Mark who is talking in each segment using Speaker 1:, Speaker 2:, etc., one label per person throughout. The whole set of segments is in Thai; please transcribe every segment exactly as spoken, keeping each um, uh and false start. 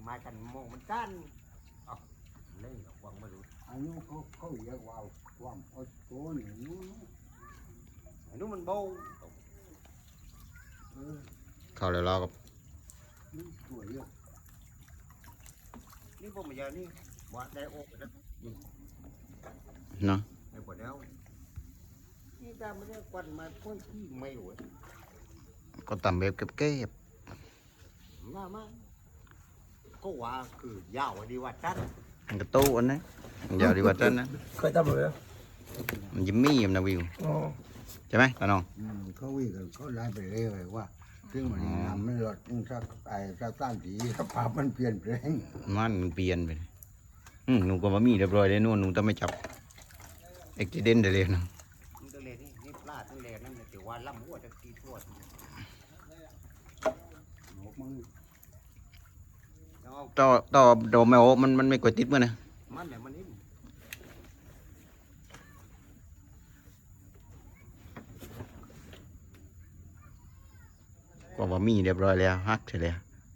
Speaker 1: มากันโมมันกันอ๋อเล่นหรอกวังไม่รู้
Speaker 2: อันนี้เขาเขาเรียกว่าความอดทนนู้น
Speaker 1: อันนู้นมันโบ
Speaker 3: เข้าแล้วเราก็
Speaker 2: นี่สวยอ่ะ
Speaker 1: นี่พวกมันยานี่ว่าได้โอ้ไปแล้ว
Speaker 3: เนาะ
Speaker 1: ได้หมดแล้วนี่ตามไม่ได้ควันมาพ่นขี้ไม่หวย
Speaker 3: ก็ตำแบบเก็บ
Speaker 1: น่ามากก็ว่าคือยาวดีว่าจัน
Speaker 3: ๆมันก็ตู้อันนั้นมันยาวดีกว่าจันนะ
Speaker 4: เคยทำเลย
Speaker 3: มันยิ้มมี่มันนะวิว
Speaker 4: อ๋อ
Speaker 3: ใช่ไหมตาน้อง
Speaker 2: อืมเขาวิ่งกันเขาไล่ไปเรื่อยว่าซึ่งมันนำมันหลดสักไอ้สักต้านสีสภาพมันเปลี่ยนแปลง
Speaker 3: มันเปลี่ยนไปเลยอืมหนูก็มามีเรียบร้อยเลยนู่นหนูต้องไม่จับเอ็กซิเดนได้เลยนะ
Speaker 1: มันตัวเล็กนี่นี่ปลาตัวเล็กนั่นแต่ว่าล่ำหัวจะตีทั่ว
Speaker 2: หนกมัน
Speaker 1: แล้ว
Speaker 3: ต่อต่อโดมไม่โอมันมันไม่กดติดมั้ยนะ
Speaker 1: มันเนี่ยมันนี่
Speaker 3: ก็มามีเรียบร้อยแล้วฮักเสร็จแล้ว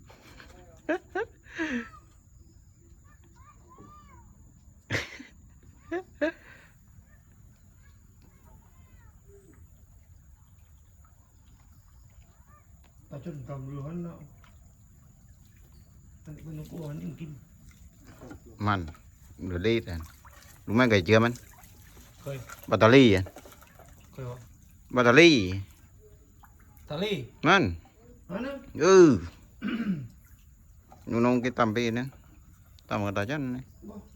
Speaker 4: ตาจนกำร้อนเนาะอันนี้มันกลัวมันกิน
Speaker 3: มันหรือดีแต่รู้ไหมไก่เจือมัน
Speaker 4: เคย
Speaker 3: แบตเตอรี่อ่ะ
Speaker 4: เคยวะ
Speaker 3: แบตเตอรี่
Speaker 4: ทะเล
Speaker 3: มัน
Speaker 4: อันนั้น
Speaker 3: เออ หนูน้องcái tầm bì nữa tầm ở đó chân này
Speaker 4: บ่